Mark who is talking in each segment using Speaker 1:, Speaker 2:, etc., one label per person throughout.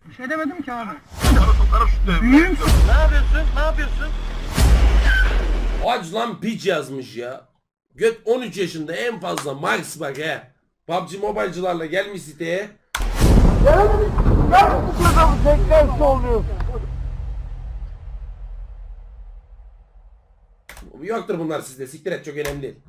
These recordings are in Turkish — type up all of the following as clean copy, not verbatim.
Speaker 1: Bir şey demedim ki abi.
Speaker 2: Bana sokarım şu devre.
Speaker 1: Büyüğüm.
Speaker 3: Ne yapıyorsun? Ne yapıyorsun?
Speaker 4: Aç lan piç yazmış ya. Göt 13 yaşında en fazla max bak he. PUBG Mobile'cılarla gelmiş siteye. Yoktur bunlar sizde. Siktir et, çok önemli değil.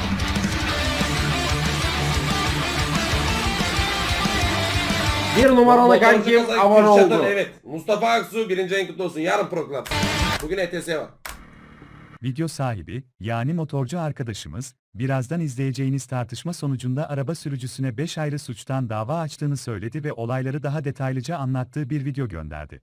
Speaker 4: Bir numaralı kankim abone oldu. Evet. Mustafa Aksu 1. ayın kutlu olsun. Yarın program. Bugün ETS var.
Speaker 5: Video sahibi, yani motorcu arkadaşımız, birazdan izleyeceğiniz tartışma sonucunda araba sürücüsüne 5 ayrı suçtan dava açtığını söyledi ve olayları daha detaylıca anlattığı bir video gönderdi.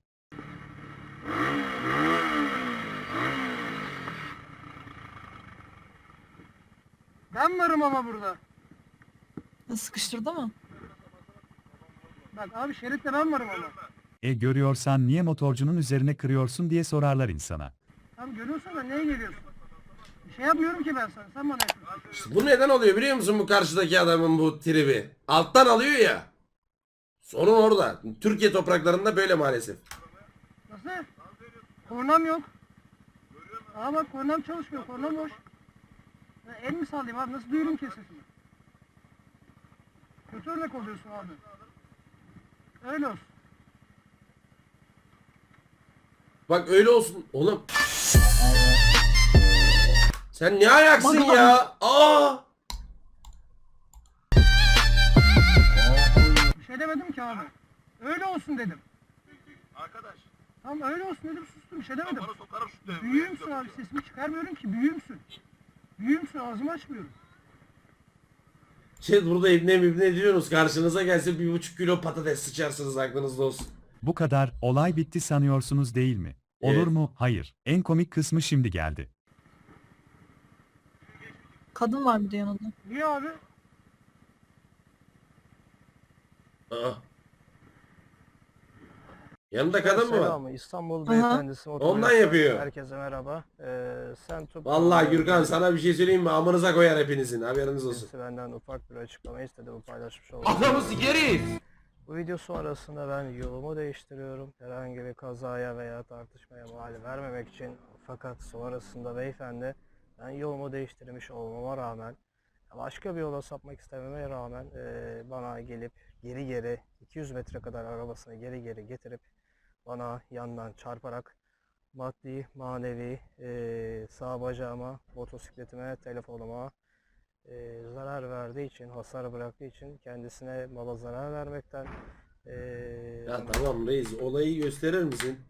Speaker 1: Ben varım ama burada.
Speaker 6: Sıkıştırdı mı?
Speaker 1: Bak abi şeritte ben varım ama.
Speaker 5: Görüyorsan niye motorcunun üzerine kırıyorsun diye sorarlar insana.
Speaker 1: Tam görüyorsan da neye geliyorsun? Bir şey yapmıyorum ki ben sana. Sen bana yapıyorsun.
Speaker 4: İşte bu neden oluyor biliyor musun, bu karşıdaki adamın bu tribi? Alttan alıyor ya. Sorun orada. Türkiye topraklarında böyle maalesef.
Speaker 1: Nasıl? Kornam yok. Aa bak kornam çalışmıyor. Kornam boş. Ya el mi sallayayım abi? Nasıl duyurum ki sesimi? Kötü örnek oluyorsun abi. Öyle olsun.
Speaker 4: Bak öyle olsun. Oğlum. Sen ne ayaksın ya? Aa!
Speaker 1: Bir şey demedim ki abi. Öyle olsun dedim.
Speaker 2: Arkadaş.
Speaker 1: Tamam öyle olsun dedim, sustum. Bir şey demedim.
Speaker 2: Bana sokarım şu devre.
Speaker 1: Büyüğümsün abi, sesimi çıkarmıyorum ki. Büyüğümsün. Büyüğümsün, ağzımı açmıyorum.
Speaker 4: Burada ibne diyorsunuz. Karşınıza gelse 1,5 kilo patates sıçarsınız, aklınızda olsun.
Speaker 5: Bu kadar, olay bitti sanıyorsunuz değil mi? Olur
Speaker 4: Evet.
Speaker 5: mu? Hayır. En komik kısmı şimdi geldi.
Speaker 6: Kadın var bir de yanında.
Speaker 1: Niye abi?
Speaker 4: Aa. Yanında kadın mı var?
Speaker 7: Selamı İstanbul
Speaker 6: Aha.
Speaker 7: beyefendisi
Speaker 4: Ondan yapıyor.
Speaker 7: Herkese merhaba. Sen
Speaker 4: Vallahi Gürkan sana bir şey söyleyeyim mi? Amınıza koyar hepinizin. Haberiniz olsun.
Speaker 7: Benden ufak bir açıklama istedi, paylaşmış oldum.
Speaker 4: Adamı sikeriz.
Speaker 7: Bu video sonrasında ben yolumu değiştiriyorum. Herhangi bir kazaya veya tartışmaya mal vermemek için. Fakat sonrasında beyefendi ben yolumu değiştirmiş olmama rağmen, başka bir yola sapmak istememe rağmen bana gelip geri 200 metre kadar arabasını geri getirip bana yandan çarparak maddi, manevi, sağ bacağıma, motosikletime, telefonuma zarar verdiği için, hasar bıraktığı için kendisine mala zarar vermekten
Speaker 4: Ya tamam reis, olayı gösterir misin?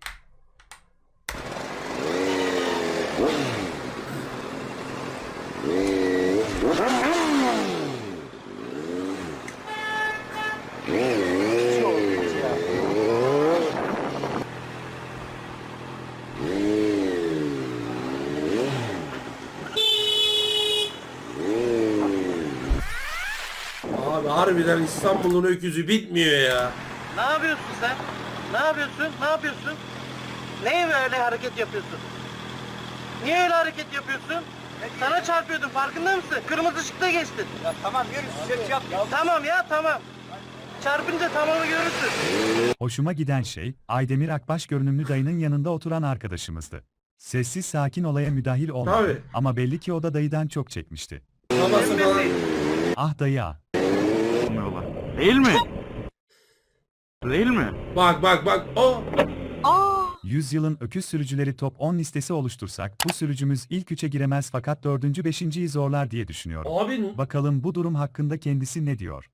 Speaker 4: Abi harbiden İstanbul'un öküzü bitmiyor ya.
Speaker 3: Ne yapıyorsun sen? Ne yapıyorsun? Ne yapıyorsun? Neye böyle hareket yapıyorsun? Niye öyle hareket yapıyorsun? Sana çarpıyordum, farkında mısın? Kırmızı ışıkta geçtin. Ya tamam yürü, ses yap. Tamam ya, tamam. Çarpınca tamamı görürsün.
Speaker 5: Hoşuma giden şey, Aydemir Akbaş görünümlü dayının yanında oturan arkadaşımızdı. Sessiz sakin olaya müdahil olmadı
Speaker 4: Tabii.
Speaker 5: ama belli ki o da dayıdan çok çekmişti.
Speaker 4: Babası falan.
Speaker 5: Ah dayı ah.
Speaker 8: Değil mi? Değil mi?
Speaker 4: Bak. Oh.
Speaker 6: Aa!
Speaker 5: 100 yılın öküz sürücüleri top 10 listesi oluştursak bu sürücümüz ilk 3'e giremez fakat 4. 5.yi zorlar diye düşünüyorum.
Speaker 4: Abi
Speaker 5: Bakalım bu durum hakkında kendisi ne diyor?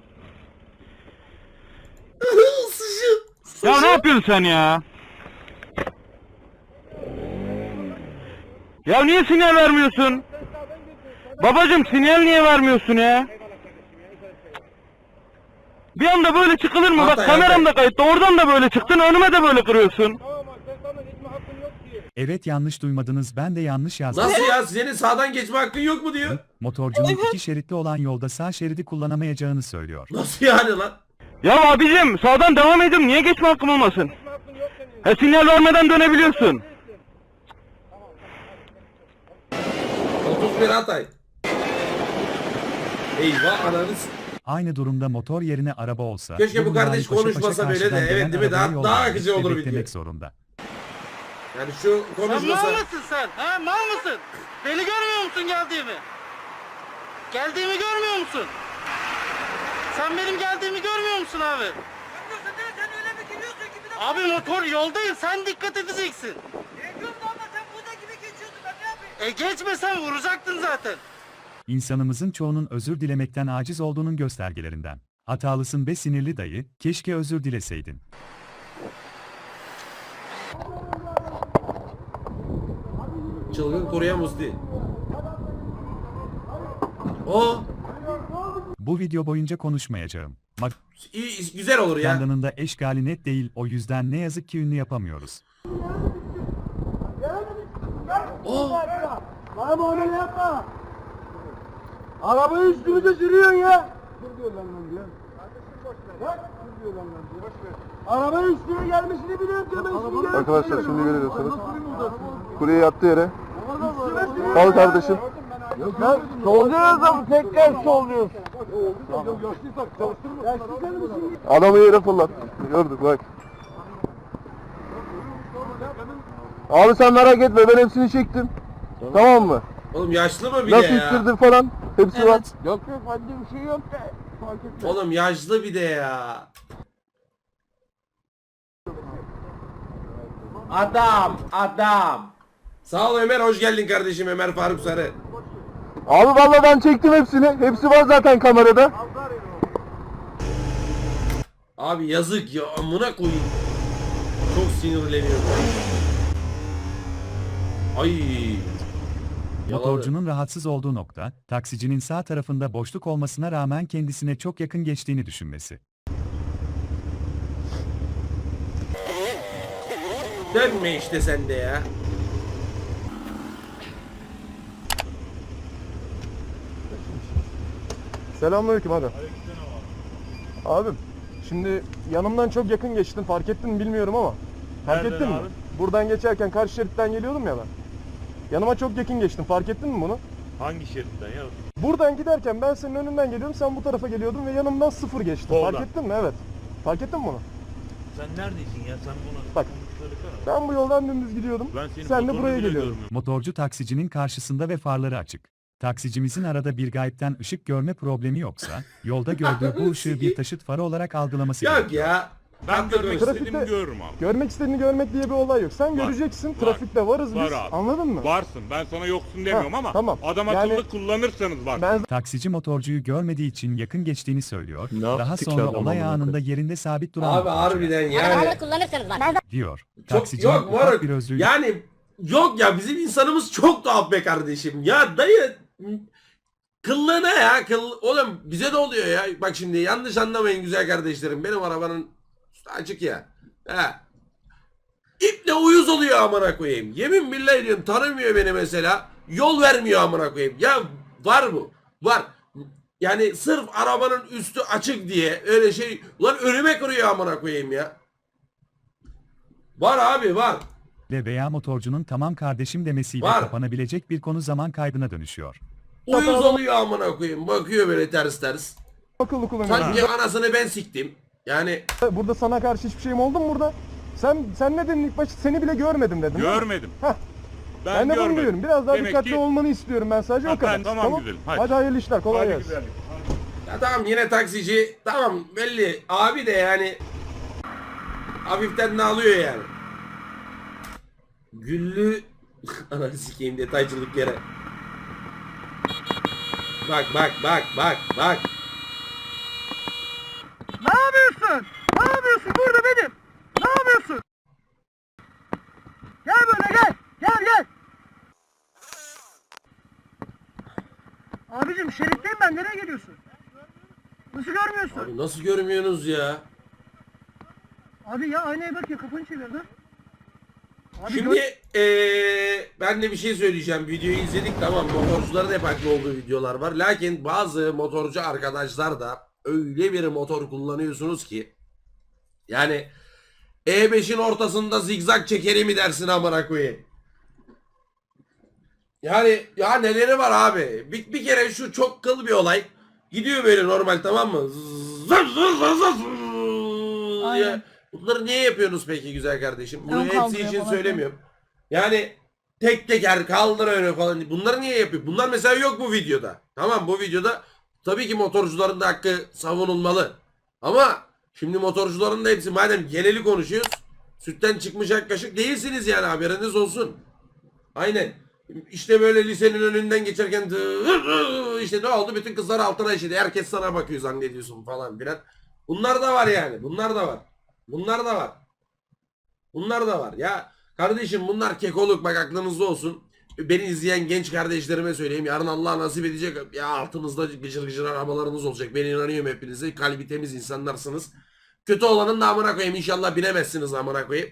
Speaker 8: Ya ne yapıyorsun sen ya? Ya niye sinyal vermiyorsun? Babacım sinyal niye vermiyorsun ya? Bir anda böyle çıkılır mı? Bak
Speaker 4: Hatay,
Speaker 8: kameram da
Speaker 4: Hatay.
Speaker 8: kayıtta. Oradan da böyle çıktın. Önüme de böyle kırıyorsun.
Speaker 5: Evet yanlış duymadınız ben de yanlış yazdım.
Speaker 4: nasıl ya, senin sağdan geçme hakkın yok mu diyor.
Speaker 5: Motorcunun 2 şeritli olan yolda sağ şeridi kullanamayacağını söylüyor.
Speaker 4: Nasıl yani lan?
Speaker 8: Ya abicim sağdan devam edin. Niye geçme hakkım olmasın? Sinyal vermeden dönebiliyorsun.
Speaker 4: 31 Hatay. Eyvah ananız.
Speaker 5: Aynı durumda motor yerine araba olsa...
Speaker 4: Keşke bu
Speaker 5: minimali
Speaker 4: kardeş
Speaker 5: paşa paşa
Speaker 4: konuşmasa böyle de,
Speaker 5: karşıdan
Speaker 4: evet
Speaker 5: gelen
Speaker 4: değil mi?
Speaker 5: arabayı
Speaker 4: Daha
Speaker 5: yoldan
Speaker 4: akıcı olur video.
Speaker 5: beklemek zorunda.
Speaker 4: Yani şu
Speaker 3: Sen
Speaker 4: konuşmasa...
Speaker 3: mal mısın sen? Ha mal mısın? Beni görmüyor musun geldiğimi? Geldiğimi görmüyor musun? Sen benim geldiğimi görmüyor musun abi?
Speaker 1: Görmüyorsun değil mi? Sen öyle bir geliyorsun ki bir de...
Speaker 3: Abi motor yoldayım, sen dikkat edeceksin.
Speaker 1: Geçiyorsun ama sen burada gibi geçiyorsun. Ben ne yapayım?
Speaker 3: Geçmesen vuracaktın zaten.
Speaker 5: İnsanımızın çoğunun özür dilemekten aciz olduğunun göstergelerinden. Hatalısın be sinirli dayı, keşke özür dileseydin.
Speaker 4: Çılgın koruyan Musti. O
Speaker 5: Bu video boyunca konuşmayacağım.
Speaker 4: iyi, güzel olur ya.
Speaker 5: Magandanın eşgali net değil, o yüzden ne yazık ki ünlü yapamıyoruz.
Speaker 4: O
Speaker 1: Bana öyle yapma. Arabayı üstümüze sürüyorsun ya. Dur diyor lan diyor. Bak, dur diyor lan diyor. Arabanın üstüne gelmesini biliyorum diyor. Ben üstüne gelmesini
Speaker 9: Arkadaşlar şimdi görüyorsunuz.
Speaker 1: biliyorum.
Speaker 9: Kurye yattı yere. Al kardeşim.
Speaker 1: Lan solluyoruz ama tekrar solluyoruz.
Speaker 9: Adamı yere fırlat. Gördük bak. Abi sen merak etme, ben hepsini çektim. Tamam mı?
Speaker 4: oğlum yaşlı mı bir de
Speaker 9: Nasıl
Speaker 4: ya?
Speaker 9: ittirdin falan. Hepsi var.
Speaker 6: Evet.
Speaker 1: Yok yok hadi bir şey yok da. Fark etmez.
Speaker 4: Oğlum yaşlı bir de ya. Adam. Sağ ol Ömer, hoş geldin kardeşim Ömer Faruk Sarı.
Speaker 9: Abi vallahi ben çektim hepsini. Hepsi var zaten kamerada.
Speaker 4: Abi yazık ya, amına koyayım. Çok sinirleniyorum. Ay.
Speaker 5: Motorcunun rahatsız olduğu nokta, taksicinin sağ tarafında boşluk olmasına rağmen kendisine çok yakın geçtiğini düşünmesi.
Speaker 4: Dönme işte sen de ya.
Speaker 10: Selamünaleyküm abi. Abim, şimdi yanımdan çok yakın geçtin, fark ettin mi bilmiyorum ama. Fark
Speaker 2: Nereden
Speaker 10: ettin mi?
Speaker 2: abi?
Speaker 10: Buradan geçerken karşı şeritten geliyordum ya ben. Yanıma çok yakın geçtin, fark ettin mi bunu?
Speaker 2: Hangi şeritten ya?
Speaker 10: Buradan giderken ben senin önünden geliyorum, sen bu tarafa geliyordun ve yanımdan sıfır geçtin.
Speaker 2: Soldan.
Speaker 10: Fark ettin mi? Evet. Fark ettin mi bunu?
Speaker 2: Sen neredesin ya? Sen bunu
Speaker 10: Bak. Ben bu yoldan dümdüz gidiyordum.
Speaker 2: Ben senin
Speaker 10: Sen de
Speaker 2: motorunu
Speaker 10: buraya
Speaker 2: bile
Speaker 10: geliyordun.
Speaker 2: görmüyorum.
Speaker 5: Motorcu taksicinin karşısında ve farları açık. Taksicimizin arada bir gayipten ışık görme problemi yoksa, yolda gördüğü bu ışığı bir taşıt farı olarak algılaması
Speaker 4: Yok
Speaker 5: gerekiyor.
Speaker 4: ya.
Speaker 2: Ben
Speaker 4: Haklı
Speaker 2: görmek
Speaker 4: konuş.
Speaker 2: istediğimi görürüm abi.
Speaker 10: Görmek istediğini görmek diye bir olay yok. Sen
Speaker 2: Var.
Speaker 10: göreceksin,
Speaker 2: Var.
Speaker 10: trafikte varız
Speaker 2: Var
Speaker 10: biz.
Speaker 2: abi.
Speaker 10: Anladın mı?
Speaker 2: Varsın. Ben sana yoksun demiyorum ama
Speaker 10: tamam.
Speaker 2: adam
Speaker 10: Yani-
Speaker 2: akıllı kullanırsanız bak.
Speaker 10: Ben
Speaker 5: Taksici motorcuyu görmediği için yakın geçtiğini söylüyor. Daha sonra olay anında yerinde sabit duran
Speaker 4: Abi
Speaker 5: motorcuya
Speaker 4: harbiden yani.
Speaker 5: diyor.
Speaker 4: Çok
Speaker 5: Taksicinin
Speaker 4: yok
Speaker 5: ufak
Speaker 4: moruk.
Speaker 5: bir özrü
Speaker 4: Yani yok ya, bizim insanımız çok tuhaf be kardeşim. Ya dayı kıllığına ya oğlum bize de oluyor ya. Bak şimdi yanlış anlamayın güzel kardeşlerim. Benim arabanın üstü açık ya. He. İple uyuz oluyor amına koyayım. Yemin billahi diyorum, tanımıyor beni mesela. Yol vermiyor amına koyayım. Ya var bu. Var. Yani sırf arabanın üstü açık diye öyle şey. Ulan önüme kırıyor amına koyayım ya. Var abi var.
Speaker 5: veya motorcunun tamam kardeşim demesiyle
Speaker 4: Var.
Speaker 5: kapanabilecek bir konu zaman kaybına dönüşüyor.
Speaker 4: Uyuz oluyor amına koyayım. Bakıyor böyle ters ters.
Speaker 10: akıllı kullanıyorum.
Speaker 4: Sanki anasını ben siktim. Yani
Speaker 10: Burada sana karşı hiçbir şeyim oldu mu burada? Sen ne dedin ilk başta? Seni bile görmedim dedin. değil mi?
Speaker 2: Görmedim.
Speaker 10: Heh.
Speaker 2: Ben
Speaker 10: Ben de bunu
Speaker 2: görmedim.
Speaker 10: diyorum. Biraz daha
Speaker 2: Demek
Speaker 10: dikkatli
Speaker 2: ki-
Speaker 10: olmanı istiyorum ben sadece
Speaker 2: Ha,
Speaker 10: o kadar.
Speaker 2: ben tamam güzelim. Hadi.
Speaker 10: Hadi hayırlı işler. Kolay
Speaker 2: Hadi
Speaker 10: gelsin.
Speaker 2: güzellik.
Speaker 4: ya tamam yine taksici. Tamam belli. Abi de yani hafiften de alıyor yani. Güllü ananı sikeyim detaycılık yere. Bak.
Speaker 1: Ne yapıyorsun? Ne yapıyorsun? Burada benim. Ne yapıyorsun? Gel böyle gel. Gel. Abicim şeritteyim ben. Nereye geliyorsun? Nasıl görmüyorsun?
Speaker 4: Abi nasıl görmüyorsunuz ya?
Speaker 1: Abi ya aynaya bak ya, kafanı çevir lan. Abi
Speaker 4: Şimdi ben de bir şey söyleyeceğim. Videoyu izledik, tamam, motorcuların hep haklı olduğu videolar var. Lakin bazı motorcu arkadaşlar da öyle bir motor kullanıyorsunuz ki yani E5'in ortasında zigzag çekeri mi dersin amına koyayım. Yani ya neleri var abi. Bir kere şu çok kıl bir olay. Gidiyor böyle normal, tamam mı? Zır zır zır zır zır diye.
Speaker 6: Aynen.
Speaker 4: Bunları niye yapıyorsunuz peki güzel kardeşim? Bunu
Speaker 6: Ön
Speaker 4: hepsi
Speaker 6: kaldırıyor
Speaker 4: için
Speaker 6: falan.
Speaker 4: söylemiyorum. Yani tek teker kaldır öne falan. Bunları niye yapıyor? Bunlar mesela yok bu videoda. Tamam, bu videoda tabii ki motorcuların da hakkı savunulmalı. Ama şimdi motorcuların da hepsi, madem geneli konuşuyoruz, sütten çıkmış ak kaşık değilsiniz yani, haberiniz olsun. Aynen. İşte böyle lisenin önünden geçerken işte ne oldu? Bütün kızlar altına işedi. Herkes sana bakıyor zannediyorsun falan filan. Bunlar da var yani. Bunlar da var. Bunlar da var. Bunlar da var. Ya kardeşim, bunlar kekoluk, bak aklınızda olsun. Beni izleyen genç kardeşlerime söyleyeyim. Yarın Allah nasip edecek. Ya altınızda gıcır gıcır arabalarınız olacak. Ben inanıyorum hepinize. Kalbi temiz insanlarsınız. Kötü olanın da amına koyayım. İnşallah binemezsiniz amına koyayım.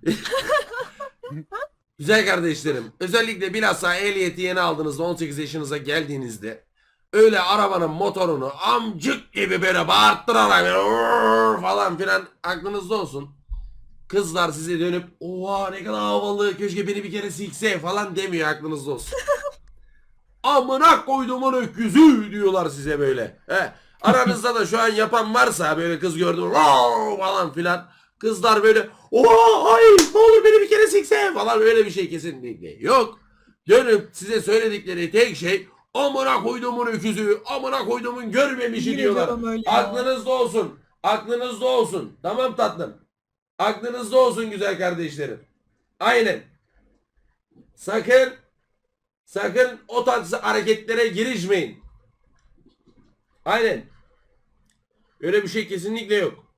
Speaker 4: Güzel kardeşlerim, özellikle bilhassa ehliyeti yeni aldığınızda, 18 yaşınıza geldiğinizde öyle arabanın motorunu amcık gibi böyle bağırttırarak falan filan aklınızda olsun. Kızlar size dönüp oha ne kadar havalı, keşke beni bir kere silse falan demiyor, aklınızda olsun. Amına koyduğumun öküzü diyorlar size böyle. Aranızda da şu an yapan varsa, böyle kız gördüm falan filan. Kızlar böyle oha ay ne olur beni bir kere sikse falan, öyle bir şey kesinlikle yok. Dönüp size söyledikleri tek şey amına koyduğumun öküzü, amına koyduğumun görmemişi
Speaker 6: Yemin
Speaker 4: diyorlar.
Speaker 6: ediyorum öyle ya.
Speaker 4: Aklınızda olsun. Aklınızda olsun. Tamam tatlım. Aklınızda olsun güzel kardeşlerim. Aynen. Sakın o tarz hareketlere girişmeyin. Aynen. Öyle bir şey kesinlikle yok.